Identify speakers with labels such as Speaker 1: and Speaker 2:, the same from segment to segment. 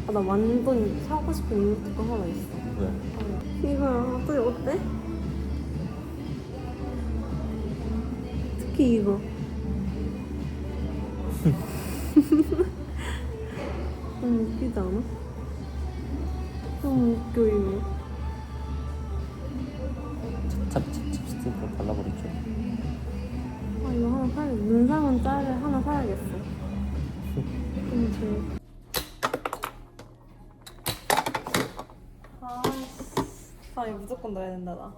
Speaker 1: 아, 나 완전 사고 싶은 이모티콘 하나 있어.
Speaker 2: 왜?
Speaker 1: 이거야. 어때? 특히 이거. 너무 웃기지 않아? 너무 웃겨 이거.
Speaker 2: 찹스틱으로 발라버리죠.
Speaker 1: 아 이거 하나 사야 눈상은 짤을 하나 사야겠어. 너무 좋아. 아 이거 무조건 넣어야 된다 나.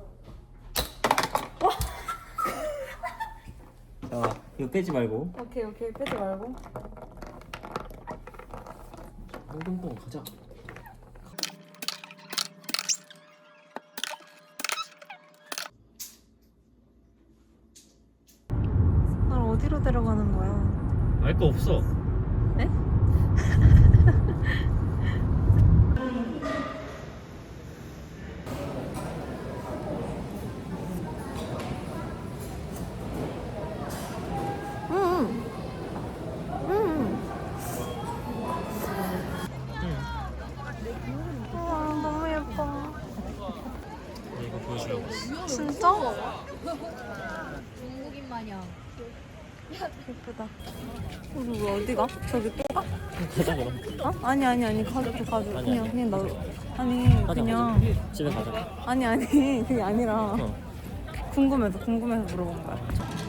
Speaker 2: 자, 이거 빼지 말고.
Speaker 1: 오케이 빼지 말고.
Speaker 2: 뽕뽕뽕 가자.
Speaker 1: 날 어디로 데려가는 거야?
Speaker 2: 알 거 없어.
Speaker 1: 네? 우와 너무 예뻐.
Speaker 2: 이거 보여주려고.
Speaker 1: 진짜?
Speaker 3: 중국인 마냥.
Speaker 1: 예쁘다. 우리 왜 어디 가? 저기 또 가?
Speaker 2: 가자 그럼.
Speaker 1: 어? 아니 가족
Speaker 2: 아니,
Speaker 1: 그냥 나 아니
Speaker 2: 가자,
Speaker 1: 그냥
Speaker 2: 가자. 집에 가자.
Speaker 1: 아니 그게 아니라
Speaker 2: 어.
Speaker 1: 궁금해서 물어본 거야.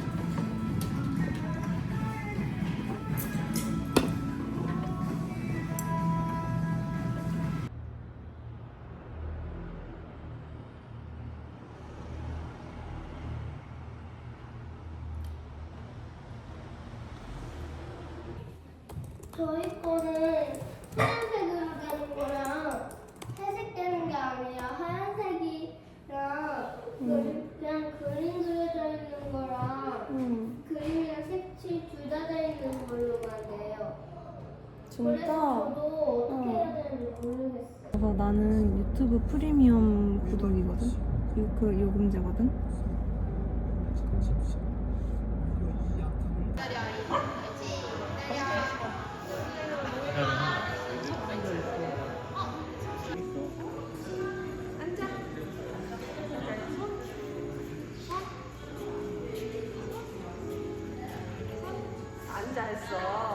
Speaker 4: 저희 거는 하얀색으로 되는 거랑 회색 되는 게 아니라 하얀색이랑 그냥 그림 그려져 있는 거랑 그림이랑 색칠 둘 다 돼 있는 걸로만 돼요. 그래서
Speaker 1: 진짜?
Speaker 4: 저도 어떻게 해야 되는지 모르겠어요.
Speaker 1: 그래서 나는 유튜브 프리미엄 구독이거든. 요금제거든. 앉아 있어.